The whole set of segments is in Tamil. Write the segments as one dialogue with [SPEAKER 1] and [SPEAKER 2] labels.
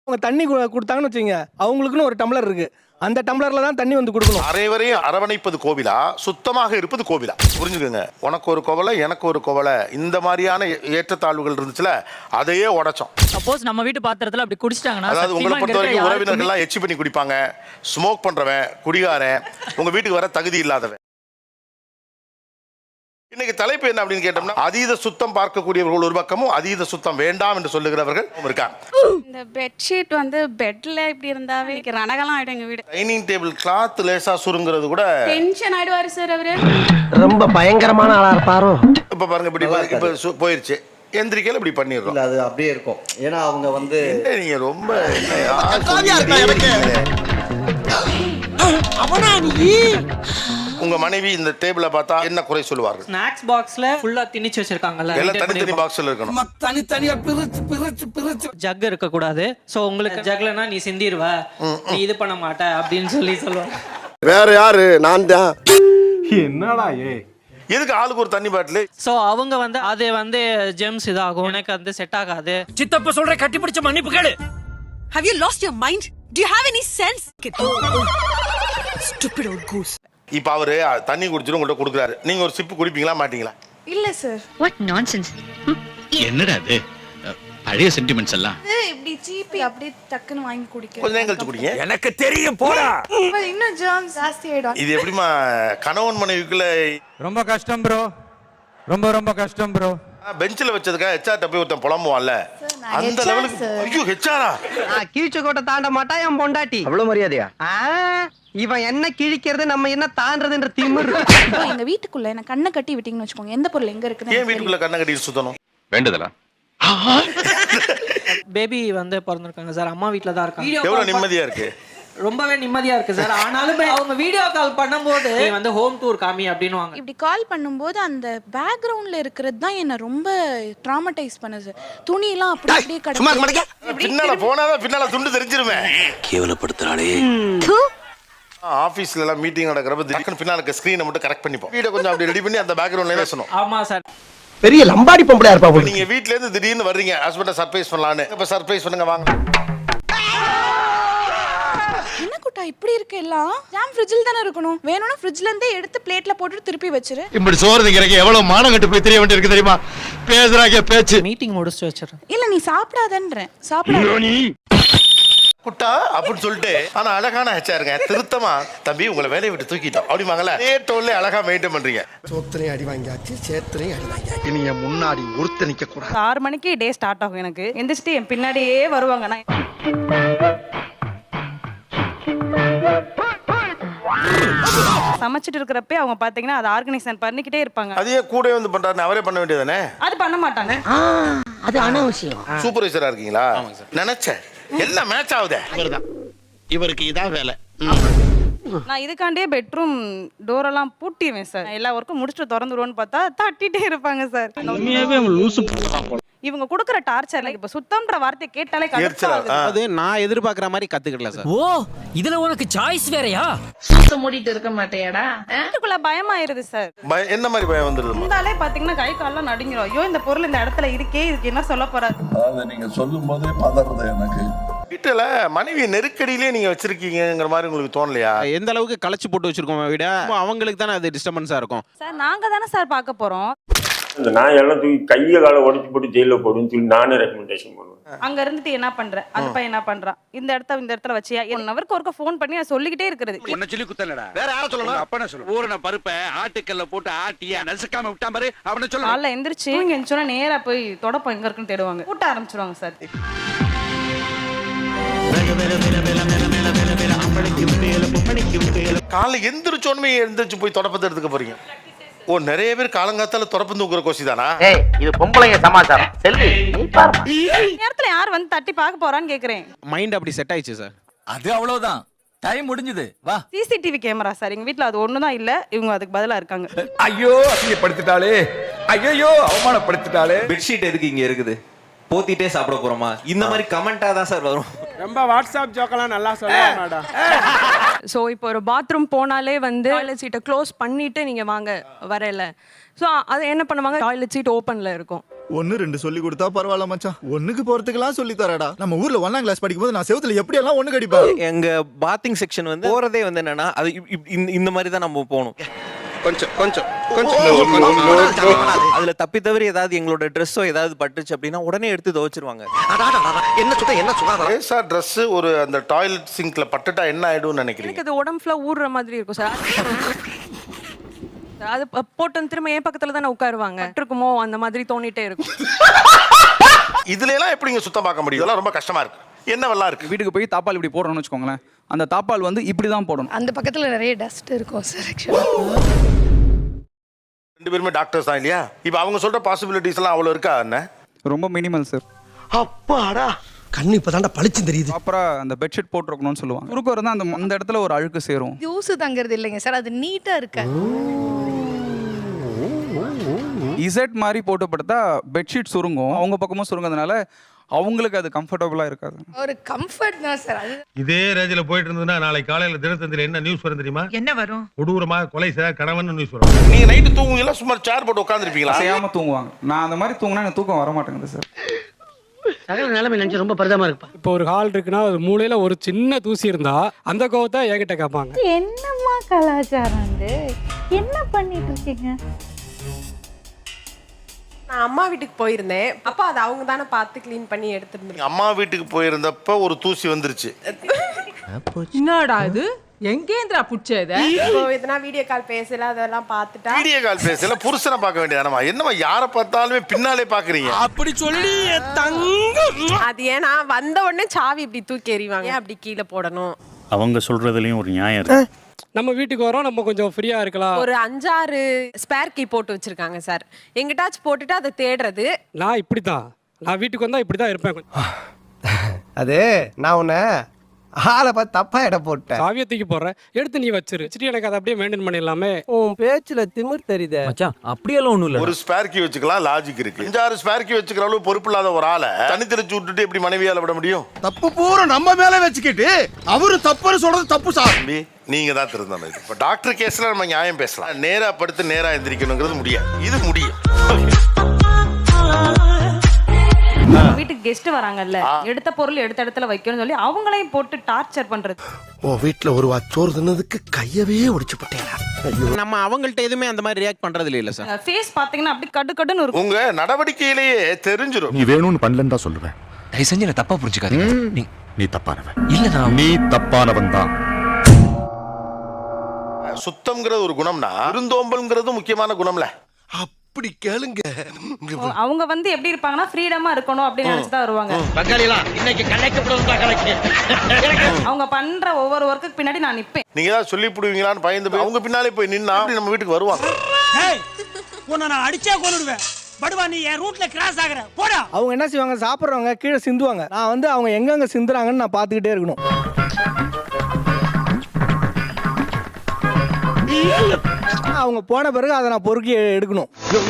[SPEAKER 1] அவங்க தண்ணி கொடுத்தாங்கன்னு வச்சுங்க, அவங்களுக்குன்னு ஒரு டம்ளர் இருக்கு. அந்த டம்ளர்ல தான் தண்ணி வந்து கொடுக்கணும்.
[SPEAKER 2] அனைவரையும் அரவணைப்பது கோவிலா, சுத்தமாக இருப்பது கோவிலா? புரிஞ்சுக்கோங்க. உனக்கு ஒரு கோவலை, எனக்கு ஒரு கோவலை, இந்த மாதிரியான ஏற்றத்தாழ்வுகள் இருந்துச்சுல, அதையே உடைச்சோம்.
[SPEAKER 3] சப்போஸ் நம்ம வீட்டு பாத்திரத்துல அப்படி குடிச்சிட்டாங்கன்னா,
[SPEAKER 2] அதாவது உங்களை பொறுத்த வரைக்கும் உறவினர்கள்லாம் எச்சி பண்ணி குடிப்பாங்க, ஸ்மோக் பண்றவன், குடிகாரன், உங்க வீட்டுக்கு வர தகுதி இல்லாதவன். இன்னைக்கு தலைப்பு என்ன அப்படின்னு கேட்டோம்னா, அதீத சுத்தம் பார்க்கக்கூடியவர்கள் ஒரு பக்கமும், அதீத சுத்தம் வேண்டாம் என்று சொல்லுகிறவர்கள் இருக்காங்க.
[SPEAKER 4] இந்த பெட்ஷீட் வந்து பெட்ல இப்படி இருந்தாவே ரணகலாம் ஆயிடும் எங்க வீடு.
[SPEAKER 2] டைனிங் டேபிள் கிளாத் லேசா சுருங்கிறது கூட
[SPEAKER 4] டென்ஷன் ஆயிடுவாரு சார் அவரு.
[SPEAKER 5] ரொம்ப பயங்கரமான ஆளா இருப்பாரோ.
[SPEAKER 2] இப்ப பாருங்க, இப்ப போயிருச்சு, எந்திரிக்கையில இப்படி பண்ணிடுறோம்.
[SPEAKER 6] அது அப்படியே இருக்கும். ஏன்னா அவங்க வந்து
[SPEAKER 2] நீங்க ரொம்ப உங்க மனைவி இந்த டேபிள பார்த்தா என்ன குறை சொல்லுவார்கள்?
[SPEAKER 3] ஸ்நாக்ஸ் பாக்ஸ்ல ஃபுல்லா திணிச்சு வச்சிருக்காங்கல்ல,
[SPEAKER 2] எல்லாம் தனித்தனி பாக்ஸ்ல இருக்கணும்.
[SPEAKER 5] தனித்தனியா பிரிச்சு
[SPEAKER 3] ஜக் இருக்க கூடாது. சோ உங்களுக்கு ஜக்லனா நீ சிந்திடுவ, நீ இது பண்ண மாட்ட அப்படின்னு சொல்லுவாங்க.
[SPEAKER 6] வேற யாரு? நான் தான்.
[SPEAKER 7] என்னடா
[SPEAKER 2] எதுக்கு ஆளுக்கு ஒரு தண்ணி பாட்டில்?
[SPEAKER 3] சோ அவங்க வந்து அது வந்து ஜெம்ஸ் இதாகும், எனக்கு வந்து செட் ஆகாது.
[SPEAKER 5] சித்தப்ப சொல்ற கட்டி பிடிச்ச மன்னிப்பு கேளு.
[SPEAKER 8] Have you lost your mind? Do you have any sense? Stupid old goose.
[SPEAKER 2] இப்ப அவரு தண்ணி குடிச்சிட்டு உங்கள்ட்ட கொடுக்குறாரு, நீங்க ஒரு சிப்பு குடிப்பீங்களா மாட்டீங்களா?
[SPEAKER 4] இல்ல சார்.
[SPEAKER 8] What nonsense.
[SPEAKER 9] என்னடா இது பழைய சென்டிமெண்ட்ஸ் எல்லாம்
[SPEAKER 4] இப்படி சீப்பி அப்படியே டக்குன்னு வாங்கி குடிக்க.
[SPEAKER 2] கொஞ்ச நேரம் கழிச்சு குடிங்க.
[SPEAKER 5] எனக்கு தெரியும் போடா.
[SPEAKER 4] இன்னும் ஜெர்ம்ஸ் ஜாஸ்தி ஆயிடும்.
[SPEAKER 2] இது எப்படிமா கணவன் மனைவிக்குள்ள?
[SPEAKER 7] ரொம்ப கஷ்டம் ப்ரோ, ரொம்ப ரொம்ப கஷ்டம் ப்ரோ.
[SPEAKER 2] பெஞ்சில் வச்சதுக்கா ஹெச்ஆர் போய் ஒருத்தன் புலம்புவான்ல, அந்த லெவலுக்கு. ஐயோ ஹெச்ஆரா?
[SPEAKER 5] கீழ்ச்ச கோட்டை தாண்ட மாட்டா என் பொண்டாட்டி.
[SPEAKER 6] அவ்வளவு மரியாதையா?
[SPEAKER 5] இவன் என்ன கிழிக்கிறது, நம்ம என்ன தாண்டதுன்ற திமிரு.
[SPEAKER 4] எங்க வீட்டுக்குள்ள என்ன கண்ணை கட்டி விட்டீங்கன்னு வச்சுக்கோங்க, எந்த பொருள் எங்க இருக்குன்னு
[SPEAKER 2] ஏன் வீட்டுக்குள்ள கண்ணை கட்டி சுத்தணும்?
[SPEAKER 9] வேண்டதலா?
[SPEAKER 3] பேபி வந்து பிறந்திருக்காங்க சார், அம்மா வீட்ல தான் இருக்காங்க.
[SPEAKER 2] எவ்வளவு நிம்மதியா இருக்கு?
[SPEAKER 3] ரொம்பவே நிம்மதியா இருக்கு சார். ஆனாலும் அவங்க வீடியோ கால் பண்ணும்போது நீ வந்து ஹோம் டூர் காமி அப்படின்னுவாங்க.
[SPEAKER 4] இப்படி கால் பண்ணும்போது அந்த பேக்ரவுண்ட்ல இருக்கிறது தான் என்ன ரொம்ப ட்ராமடைஸ் பண்ணுது. துணி எல்லாம் அப்படி அப்படியே கிடக்கு.
[SPEAKER 2] பின்னால போனாதான் பின்னால துண்டு தெரிஞ்சிருமே.
[SPEAKER 9] கேவலப்படுத்துறாளே.
[SPEAKER 2] ஆபீஸ்ல எல்லாம் மீட்டிங் நடக்கிறப்ப திடீர்னு பின்னால இருக்க ஸ்கிரீனை மட்டும் கரெக்ட் பண்ணிப்போம். வீட கொஞ்சம் அப்படி ரெடி பண்ணி அந்த பேக்ரவுண்ட்ல பேசணும்.
[SPEAKER 3] ஆமா சார்.
[SPEAKER 5] பெரிய லம்பாடி பொம்பளையா இருப்பா.
[SPEAKER 2] நீங்க வீட்ல இருந்து திடீர்னு வர்றீங்க, ஹஸ்பண்ட சர்ப்ரைஸ் பண்ணலாம்னு. இப்ப சர்ப்ரைஸ் பண்ணுங்க வாங்க.
[SPEAKER 4] என்ன குட்டா இப்படி இருக்கு எல்லாம்? ஜாம் ஃப்ரிட்ஜில் தானே இருக்கணும். வேணும்னா ஃப்ரிட்ஜ்ல இருந்தே எடுத்து பிளேட்ல போட்டு திருப்பி வச்சிரு.
[SPEAKER 9] இப்படி சோறு திங்கறக்கு எவ்வளவு மானம் கட்டு போய் தெரிய வேண்டியிருக்கு தெரியுமா? பேசுறாங்க பேச்சு.
[SPEAKER 3] மீட்டிங் முடிச்சு வச்சிரேன்.
[SPEAKER 4] இல்ல நீ சாப்பிடாதன்றேன். சாப்பிடாத
[SPEAKER 2] குட்டா அப்படின்னு சொல்லிட்டு, ஆனா அழகான ஹெச்ஆருங்க திருத்தமா, தம்பி உங்களை வேலையை விட்டு தூக்கிட்டோம் அப்படிமாங்கல்ல, டோல்ல அழகா மெயின்டைன் பண்றீங்க.
[SPEAKER 5] சோத்திரையும் அடி வாங்கியாச்சு, சேத்திரையும் அடி வாங்கியாச்சு.
[SPEAKER 6] இனி என் முன்னாடி ஒருத்த நிக்க கூடாது.
[SPEAKER 10] 6 மணிக்கு டே ஸ்டார்ட் ஆகும். எனக்கு எந்திரிச்சிட்டு என் பின்னாடியே வருவாங்க. நான் சமைச்சிட்டு இருக்கிறப்ப அவங்க பாத்தீங்கன்னா அதை ஆர்கனைசேஷன் பண்ணிக்கிட்டே இருப்பாங்க.
[SPEAKER 2] அதையே கூட வந்து பண்றாரு, அவரே பண்ண வேண்டியதானே?
[SPEAKER 10] அது பண்ண மாட்டாங்க.
[SPEAKER 5] அது அனாவசியம்.
[SPEAKER 2] சூப்பர்வைசரா இருக்கீங்களா? நினைச்சேன் எல்லாம் மேட்ச் ஆகுதே.
[SPEAKER 9] இவருக்கு இதான் வேலை.
[SPEAKER 10] நான் இதுக்காண்டியே பெட்ரூம் டோர் எல்லாம் பூட்டிடுவேன் சார். எல்லா ஒர்க்கும் முடிச்சுட்டு திறந்துருவோன்னு பார்த்தா தட்டிட்டே இருப்பாங்க சார். இவங்க கொடுக்குற டார்ச்சர்ல இப்ப சுத்தம்ன்ற வார்த்தை கேட்டாலே
[SPEAKER 7] அது நான் எதிர்பார்க்கிற மாதிரி கத்துக்கல சார்.
[SPEAKER 3] ஓ, இதுல உனக்கு சாய்ஸ் வேறயா?
[SPEAKER 8] சுத்த மூடிட்டு இருக்க மாட்டேயாடா?
[SPEAKER 10] வீட்டுக்குள்ள பயமாயிருது சார்.
[SPEAKER 2] என்ன மாதிரி பயம் வந்துருது?
[SPEAKER 10] இருந்தாலே பாத்தீங்கன்னா கை கால்லாம் நடுங்கிரும். ஐயோ இந்த பொருள் இந்த இடத்துல இருக்கே, இதுக்கு என்ன சொல்ல போறாரு?
[SPEAKER 11] அதாவது நீங்க சொல்லும் போதே பதறது எனக்கு.
[SPEAKER 2] வீட்டுல மனைவி நெருக்கடியிலே நீங்க வச்சிருக்கீங்கிற மாதிரி உங்களுக்கு தோணலையா?
[SPEAKER 7] எந்த அளவுக்கு களைச்சு போட்டு வச்சிருக்கோம் விட அவங்களுக்கு தானே அது டிஸ்டர்பன்ஸா இருக்கும்.
[SPEAKER 10] சார் நாங்க தானே சார் பார்க்க போறோம்.
[SPEAKER 11] நான் எல்லாம் தூக்கி கையை காலை உடச்சு போட்டு ஜெயில போடுன்னு சொல்லி நானே ரெக்கமெண்டேஷன் பண்ணுவேன்.
[SPEAKER 10] அங்க இருந்துட்டு என்ன பண்ற, அந்த பையன் என்ன பண்றான், இந்த இடத்துல வச்சியா, 1 ஹவருக்கு ஒருக்க ஃபோன் பண்ணி நான் சொல்லிக்கிட்டே இருக்கிறது.
[SPEAKER 9] உன்னை சொல்லி குத்தலடா. வேற யார சொல்லணும்? அப்பனே சொல்லு. ஊரன பருப்பை ஆட்டுக்கல்ல போட்டு ஆட்டியா நசுக்காம விட்டா பாரு, அவனே சொல்லு.
[SPEAKER 10] காலைல எந்திரிச்சு இங்க எந்திரிச்சோன்னா நேரா போய் தொடப்பம் எங்க இருக்குன்னு தேடுவாங்க. கூட்ட ஆரம்பிச்சிருவாங்க சார்.
[SPEAKER 2] காலை எந்திரிச்சு போய் தொடப்பத்தை எடுத்துக்க போறீங்க. ஓ, நிறைய பேர் காலங்காத்தால தொடப்பம் தூக்குற கோசி தானா?
[SPEAKER 5] இது பொம்பளைங்க சமாச்சாரம். செல்வி நீ பாரு.
[SPEAKER 10] நேரத்துல யார் வந்து தட்டி பார்க்க போறான்னு கேக்குறேன்.
[SPEAKER 7] மைண்ட் அப்படி செட் ஆயிடுச்சு சார்.
[SPEAKER 9] அது அவ்வளவுதான். டைம் முடிஞ்சது. வா.
[SPEAKER 10] சிசிடிவி கேமரா சார் எங்க வீட்ல அது ஒண்ணுதான் இல்ல. இவங்க அதுக்கு பதிலா இருக்காங்க.
[SPEAKER 11] ஐயோ அசிங்கப்படுத்திட்டாளே, ஐயோ அவமானப்படுத்திட்டாளே.
[SPEAKER 12] பெட்ஷீட் எதுக்கு இங்க இருக்குது? போத்திட்டே சாப்பிட போறோமா? இந்த மாதிரி கமெண்டா தான் சார் வரும்.
[SPEAKER 7] ரொம்ப வாட்ஸ்அப் ஜோக்கெல்லாம் நல்லா சொல்லுவாங்க மேடம்.
[SPEAKER 8] ஸோ இப்போ ஒரு பாத்ரூம் போனாலே வந்து டாய்லெட் சீட்டை க்ளோஸ் பண்ணிட்டு நீங்க வாங்க வரல. ஸோ அது என்ன பண்ணுவாங்க, டாய்லெட் சீட் ஓப்பன்ல இருக்கும்.
[SPEAKER 13] 1 2 சொல்லி கொடுத்தா பரவாயில்ல மச்சான். 1க்கு போறதுக்கெல்லாம் சொல்லி தரடா. நம்ம ஊர்ல 1ஆம் கிளாஸ் படிக்கும்போது நான் செவுத்துல எப்படி எல்லாம் 1 கடிப்பேன்.
[SPEAKER 12] எங்க பாத்திங் செக்ஷன் வந்து போறதே வந்து என்னன்னா அது இந்த மாதிரி தான் நம்ம போகணும். அதுல தப்பி தவிர ஏதாவது எங்களோட ட்ரெஸ்ஸோ ஏதாவது பட்டுச்சு அப்படின்னா உடனே எடுத்து துவைச்சிருவாங்க.
[SPEAKER 2] லேசா ட்ரெஸ் ஒரு அந்த டாய்லெட் சிங்க்ல பட்டுட்டா என்ன ஆயிடும்னு நினைக்கிறீங்க?
[SPEAKER 8] எனக்கு அது உடம்பு ஃபுல்லா ஊறுற மாதிரி இருக்கும் சார். அது போட்டு திரும்ப என் பக்கத்துல தானே உட்காருவாங்க. இருக்குமோ அந்த மாதிரி தோணிட்டே இருக்கும்.
[SPEAKER 2] இதுல எல்லாம் எப்படிங்க சுத்தம் பார்க்க முடியும்? இதெல்லாம் ரொம்ப கஷ்டமா இருக்கு. என்னவெல்லாம் இருக்கு?
[SPEAKER 14] வீட்டுக்கு போய் தாப்பால் இப்படி போடுறோம்னு வச்சுக்கோங்களேன். அந்த தாப்பால் வந்து இப்படி தான் போடணும்.
[SPEAKER 4] அந்த பக்கத்துல நிறைய டஸ்ட் இருக்கும் சார் ஆக்சுவலா.
[SPEAKER 2] 2 பேருமே டாக்டர்ஸ் தான் இல்லையா? இப்போ அவங்க சொல்ற பாசிபிலிட்டிஸ் எல்லாம் அவ்வளவு இருக்கா என்ன?
[SPEAKER 14] ரொம்ப மினிமல் சார்.
[SPEAKER 6] அப்பாடா கண்ணு இப்பதான்டா பளிச்சு தெரியுது.
[SPEAKER 14] அப்புறம் அந்த பெட்ஷீட் போட்டுருக்கணும்னு சொல்லுவாங்க. குறுக்கு இருந்தால் அந்த இடத்துல ஒரு அழுக்கு சேரும்.
[SPEAKER 4] யூஸ் தங்கிறது இல்லைங்க சார், அது நீட்டா இருக்கு.
[SPEAKER 14] இசட் மாதிரி போட்டு படுத்தா பெட்ஷீட் சுருங்கும். அவங்க பக்கமும் சுருங்கிறதுனால அவங்களுக்கு அது கம்ஃபர்டபுளா இருக்காது.
[SPEAKER 4] ஒரு கம்ஃபர்ட் தான் சார் அது.
[SPEAKER 9] இதே ரேஞ்சில போயிட்டு இருந்ததுன்னா நாளைக்கு காலையில தினத்தந்தில என்ன நியூஸ் வரும் தெரியுமா?
[SPEAKER 10] என்ன வரும்?
[SPEAKER 9] கொடூரமா கொலை செய்த கணவன் நியூஸ் வரும்.
[SPEAKER 2] நீங்க நைட்டு தூங்குவீங்களா சும்மா சேர் போட்டு உட்கார்ந்திருப்பீங்களா?
[SPEAKER 14] அசையாம தூங்குவாங்க. நான் அந்த மாதிரி தூங்கினா எனக்கு தூக்கம் வர மாட்டேங்குது சார்.
[SPEAKER 5] சகல நிலைமை நினைச்சு ரொம்ப பரிதமா இருப்பா.
[SPEAKER 1] இப்போ ஒரு ஹால் இருக்குன்னா ஒரு மூலையில ஒரு சின்ன தூசி இருந்தா அந்த கோவத்தை என்கிட்ட கேட்பாங்க.
[SPEAKER 4] என்னம்மா கலாச்சாரம் இது? என்ன பண்ணிட்டு இருக்கீங்க?
[SPEAKER 10] நான் அம்மா வீட்டுக்கு போயிருந்தேன். அப்ப அது அவங்க தானே பார்த்து க்ளீன் பண்ணி எடுத்துட்டு.
[SPEAKER 2] அம்மா வீட்டுக்கு போயிருந்தப்ப ஒரு தூசி வந்துருச்சு.
[SPEAKER 10] என்னடா இது? எங்கேந்திரா புடிச்சத? இப்போ இதனா வீடியோ கால் பேசல அதெல்லாம் பார்த்துட்டா.
[SPEAKER 2] வீடியோ கால் பேசல புருஷனை பார்க்க வேண்டியதானமா? என்னமா யாரை பார்த்தாலுமே பின்னாலே பாக்குறீங்க?
[SPEAKER 1] அப்படி சொல்லி தங்கம்.
[SPEAKER 10] அது ஏன்னா வந்த உடனே சாவி இப்படி தூக்கி எறிவாங்க. அப்படி கீழே போடணும்.
[SPEAKER 9] அவங்க சொல்றதுலயும் ஒரு நியாயம் இருக்கு.
[SPEAKER 1] நம்ம வீட்டுக்கு வரோம், நம்ம கொஞ்சம் ஃப்ரீயா இருக்கலாம்.
[SPEAKER 10] ஒரு 5-6 ஸ்பேர் கீ போட்டு வச்சிருக்காங்க சார். எங்கிட்டாச்சும் போட்டுட்டு அதை தேடுறது.
[SPEAKER 1] நான் இப்படிதான், நான் வீட்டுக்கு வந்தா இப்படிதான் இருப்பேன்.
[SPEAKER 5] அது நான் உன்னை ஆளை பார்த்து தப்பா இடம் போட்டேன்.
[SPEAKER 1] காவியத்துக்கு போடுறேன், எடுத்து நீ வச்சிரு. எனக்கு அதை அப்படியே மெயின்டைன் பண்ணிடலாமே.
[SPEAKER 5] உன் பேச்சுல திமிர் தெரியுது
[SPEAKER 12] மச்சான் அப்படியெல்லாம் ஒண்ணும் இல்ல.
[SPEAKER 2] ஒரு ஸ்பேர் கீ வச்சுக்கலாம், லாஜிக் இருக்கு. 5-6 ஸ்பேர் கீ வச்சுக்கிற அளவு பொறுப்பு இல்லாத ஒரு ஆளை தனி தெளிச்சு விட்டுட்டு எப்படி மனைவியால விட முடியும்?
[SPEAKER 6] தப்பு பூரா நம்ம மேல வச்சுக்கிட்டு அவரு தப்புன்னு சொல்றது தப்பு சார்.
[SPEAKER 2] நீங்க தான் திருந்தணும். இது இப்போ டாக்டர் கேஸ்ல நம்ம நியாயம் பேசலாம். நேரா படுத்து நேரா எந்திரிக்கணுங்கிறது முடியாது. இது முடியும்.
[SPEAKER 10] வீட்டுக்கு கெஸ்ட் வராங்கல்ல, எடுத்த பொருள் எடுத்த இடத்துல வைக்கணும்னு சொல்லி அவங்களையும் போட்டு டார்ச்சர் பண்றது.
[SPEAKER 6] ஓ வீட்டுல ஒரு வாச்சோறு தின்னதுக்கு கையவே ஒடிச்சு போட்டேன்.
[SPEAKER 7] நம்ம அவங்கள்ட்ட எதுவுமே அந்த மாதிரி ரியாக்ட் பண்றது இல்ல சார்.
[SPEAKER 10] ஃபேஸ் பாத்தீங்கன்னா அப்படி கடு கடுன்னு இருக்கும்.
[SPEAKER 2] உங்க நடவடிக்கையிலேயே தெரிஞ்சிடும்.
[SPEAKER 9] நீ வேணும்னு பண்ணலன்னு தான் சொல்லுவேன்.
[SPEAKER 12] தயவு செஞ்சு என்ன தப்பா புரிஞ்சுக்காதீங்க.
[SPEAKER 9] நீ தப்பானவன்.
[SPEAKER 12] இல்ல
[SPEAKER 9] நீ தப்பானவன் தான்.
[SPEAKER 2] சுத்தம்ங்கிறது ஒரு குணம்னா விருந்தோம்பல்ங்கிறது முக்கியமான குணம்ல.
[SPEAKER 6] அப்படி கேளுங்க.
[SPEAKER 10] அவங்க வந்து எப்படி இருப்பாங்கன்னா ஃப்ரீடமா இருக்கணும் அப்படின்னு நினைச்சுதான் வருவாங்க. அவங்க பண்ற ஒவ்வொரு ஒர்க்குக்கு பின்னாடி நான் நிப்பேன்.
[SPEAKER 2] நீங்க ஏதாவது சொல்லி புடுவீங்களான்னு பயந்து அவங்க பின்னாலே போய் நின்னா நம்ம வீட்டுக்கு வருவாங்க.
[SPEAKER 1] உன்னை நான் அடிச்சே கொன்னுடுவேன். படுவா நீ என் ரூட்ல கிராஸ் ஆகற போடா. அவங்க என்ன செய்வாங்க, சாப்பிடுறவங்க கீழே சிந்துவாங்க. நான் வந்து அவங்க எங்கெங்க சிந்துறாங்கன்னு நான் பார்த்துக்கிட்டே இருக்கணும். அவங்க போன பிறகு அதை நான் பொறுக்கி எடுக்கணும்.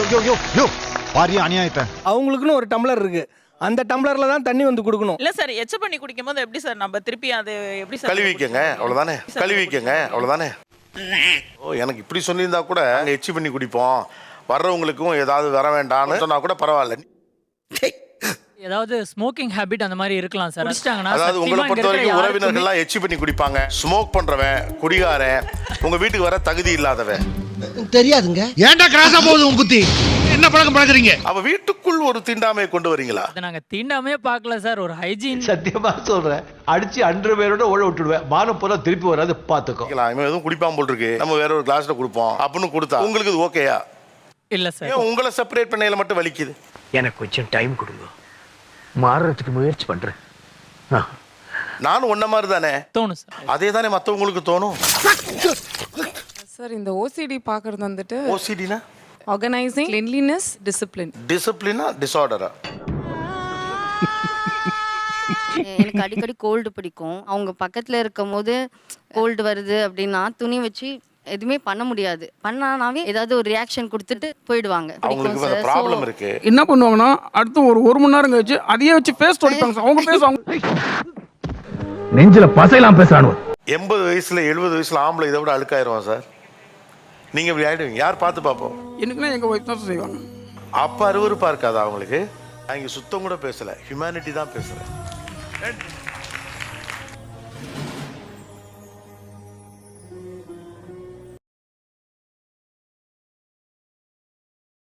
[SPEAKER 1] அவங்களுக்குன்னு ஒரு டம்ளர் இருக்கு, அந்த டம்ளர்ல தான் தண்ணி வந்து கொடுக்கணும்.
[SPEAKER 10] இல்ல சார், எச்ச பண்ணி குடிக்கும் போது எப்படி சார் நம்ம திருப்பி அது எப்படி சார்
[SPEAKER 2] கழுவிக்கங்க, அவ்வளவுதானே. கழுவிக்கங்க, அவ்வளவுதானே. ஓ எனக்கு இப்படி சொல்லியிருந்தா கூட எச்சி பண்ணி குடிப்போம், வர்றவங்களுக்கும் ஏதாவது வர வேண்டாம்னு சொன்னா கூட பரவாயில்ல.
[SPEAKER 10] ஏதாவது ஸ்மோக்கிங் ஹேபிட் அந்த மாதிரி இருக்கலாம் சார். குடிச்சிட்டாங்கன்னா
[SPEAKER 2] அதாவது உங்களை பொறுத்த வரைக்கும் உறவினர்கள்லாம் எச்சி பண்ணி குடிப்பாங்க. ஸ்மோக் பண்றவன், குடிகாரன், உங்க வீட்டுக்கு வர தகுதி இல்லாதவன்
[SPEAKER 6] தெரியாதுங்க. ஏன்டா கிராஸா போகுது உன் புத்தி? என்ன பழக்கம் பழக்கறீங்க?
[SPEAKER 2] அவ வீட்டுக்குள் ஒரு தீண்டாமையை கொண்டு வரீங்களா?
[SPEAKER 10] நாங்க தீண்டாமே பார்க்கல சார், ஒரு ஹைஜீன்.
[SPEAKER 6] சத்தியமா சொல்றேன், அடிச்சு அண்டர் பேரோட ஓட விட்டுடுவேன். மானம் போல திருப்பி வராது பாத்துக்கோ.
[SPEAKER 2] இவன் எதுவும் குடிப்பான் போல் இருக்கு, நம்ம வேற ஒரு கிளாஸ்ல கொடுப்போம் அப்படின்னு கொடுத்தா உங்களுக்கு இது ஓகேயா?
[SPEAKER 10] இல்ல சார்.
[SPEAKER 2] உங்களை செப்பரேட் பண்ணையில மட்டும் வலிக்குது.
[SPEAKER 5] எனக்கு கொஞ்சம் டைம் கொடுங்க, மாறுறதுக்கு முயற்சி பண்றேன்.
[SPEAKER 2] நானும் ஒன்ன மாதிரி தானே
[SPEAKER 10] தோணும் சார்.
[SPEAKER 2] அதே தானே மற்றவங்களுக்கு தோணும்
[SPEAKER 8] சார் இந்த ஓசிடி பார்க்கறது வந்துட்டு
[SPEAKER 2] ஓசிடினா
[SPEAKER 8] ஆர்கனைசிங், கிளீன்லினஸ், டிசிப்ளின்.
[SPEAKER 2] டிசிப்ளினா டிஸார்டரா?
[SPEAKER 4] எனக்கு அடிக்கடி கோல்டு பிடிக்கும். அவங்க பக்கத்துல இருக்கும் போது கோல்டு வருது அப்படின்னா துணி வச்சு எதுவுமே பண்ண முடியாது. பண்ணானாவே ஏதாவது ஒரு ரியாக்ஷன் கொடுத்துட்டு போயிடுவாங்க.
[SPEAKER 2] அவங்களுக்கு அந்த ப்ராப்ளம் இருக்கு.
[SPEAKER 14] என்ன பண்ணுவாங்கன்னா அடுத்து ஒரு 1 மணி நேரம் கழிச்சு அதையே வச்சு பேஸ் தொடிப்பாங்க சார். அவங்க பேசுவாங்க,
[SPEAKER 9] நெஞ்சில பசையெல்லாம் பேசுறானு.
[SPEAKER 2] 80 வயசுல 70 வயசுல ஆம்பளை இதை விட அழுக்காயிருவான் சார். நீங்க இப்படி ஆயிடுவீங்க. யார் பார்த்து பார்ப்போம்?
[SPEAKER 14] எனக்குன்னா எங்க ஒய்ஃப் தான் செய்வாங்க.
[SPEAKER 2] அப்ப அருவருப்பா இருக்காதா அவங்களுக்கு? நான் இங்க சுத்தம் கூட பேசல, ஹியூமனிட்டி தான் பேசுறேன்.